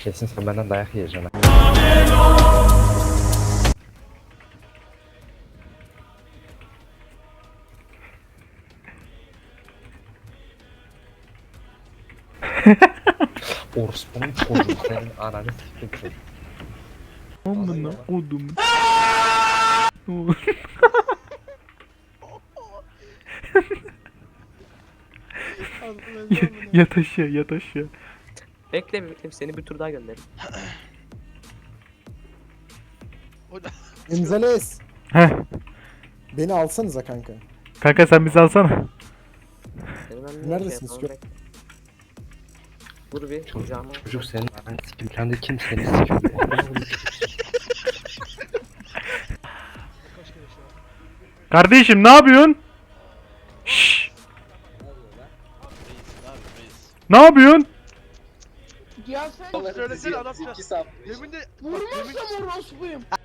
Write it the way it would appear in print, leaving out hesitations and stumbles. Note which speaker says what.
Speaker 1: Kesin sen benden dayak yiyeceksin ha. Orospunun çocuğu senin ananı sikeyim.
Speaker 2: Amına kodum. Yat aşağı, yat aşağı.
Speaker 3: Bekle bekle seni bir tur daha gönderim.
Speaker 4: Gonzales.
Speaker 2: Heh.
Speaker 4: Beni alsanıza kanka.
Speaker 2: Kanka sen bizi alsana.
Speaker 3: Seni ben
Speaker 4: Neredesiniz?
Speaker 3: yapamam, bekle. Dur bir kucağıma.
Speaker 1: Çocuk senin ananı sikeyim. Sen de kim seni sikiyor?
Speaker 2: Kardeşim ne yapıyorsun? Şşş. Ne yapıyorsun?
Speaker 5: Ya sen
Speaker 6: Söylesene adam ya. Yemin de
Speaker 5: vurmazsam orospuyum.